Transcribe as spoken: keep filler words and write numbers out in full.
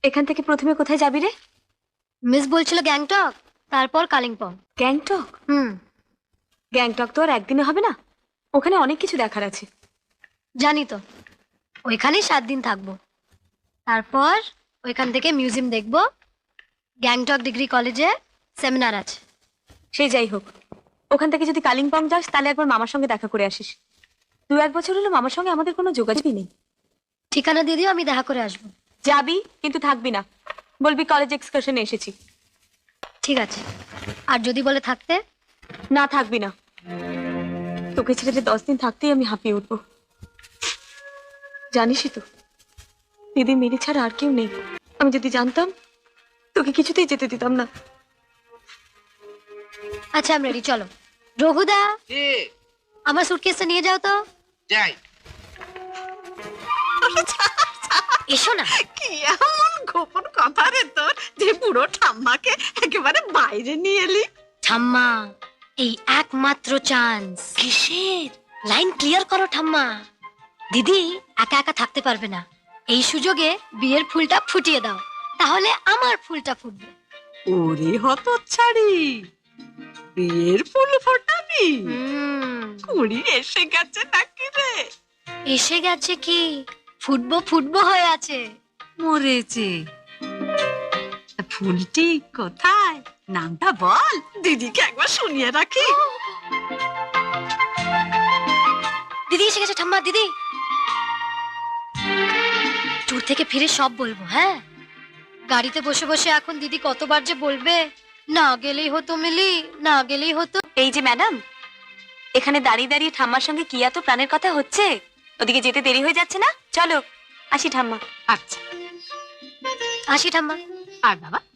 এখান থেকে প্রথমে কোথায় যাবি রে? মিস বলছিল গ্যাংটক, তারপর কালিম্পং। গ্যাংটক? হুম, গ্যাংটক তো আর একদিনে হবে না, ওখানে অনেক কিছু দেখার আছে। জানি তো। ওইখানেই সাত দিন থাকবো। তারপর ওইখান থেকে মিউজিয়াম দেখবো। গ্যাংটক ডিগ্রি কলেজে সেমিনার আছে। সেই যাই হোক, ওখান থেকে যদি কালিম্পং যাস তাহলে একবার মামার সঙ্গে দেখা করে আসিস। দু এক বছর হলো মামার সঙ্গে আমাদের কোনো যোগাযোগই নেই। ঠিকানা দিয়ে দিও, আমি দেখা করে আসবো। যাবি কিন্তু থাকবি না, বলবি কলেজ এক্সকারশনে এসেছি। ঠিক আছে। আর যদি বলে থাকতে? না, থাকবি না। তোকে ছেড়ে যে দশ দিন থাকতেই আমি হাঁপিয়ে উঠবো। জানিসই তো দিদি মেরি ছাড়া আর কেউ নেই। আমি যদি জানতাম তোকে কিছুতেই যেতে দিতাম না। আচ্ছা, আমি রেডি, চলো। রঘুদা, এ আমার সুটকেসটা নিয়ে যাও তো। যাই। এসো না। কি এমন গোপন কথা রে তোর যে পুরো ঠাম্মাকে একেবারে বাইরে নিয়ে এলি? ঠাম্মা, এই একমাত্র চান্স। কিসের? লাইন ক্লিয়ার করো ঠাম্মা। দিদি একা একা থাকতে পারবে না, এই সুযোগে বিয়ের ফুলটা ফুটিয়ে দাও, তাহলে আমার ফুলটা ফুটবে। ওরে হতচ্ছাড়ি, বিয়ের ফুল ফোটাবি? হুম, কুড়ি এসে গেছে নাকি রে? এসে গেছে কি, ফুটবো ফুটবো হয়ে আছে। মরেছে। তা ফুলটি কোথায়? নামটা বল, দিদিকে একবার শুনিয়ে রাখি। দিদি এসে গেছে ঠাম্মা, দিদি। ট্যুর থেকে ফিরে সব বলবো, হ্যাঁ? গাড়িতে বসে বসে এখন দিদি কতবার যে বলবে, না গেলেই হতো মিলি, না গেলেই হতো। এই যে ম্যাডাম, এখানে দাঁড়িয়ে দাঁড়িয়ে ঠাম্মার সঙ্গে কি এত প্রাণের কথা হচ্ছে? ওদিকে যেতে দেরি হয়ে যাচ্ছে না? চলো আসি ঠাম্মা। আচ্ছা, আসি ঠাম্মা। আর বাবা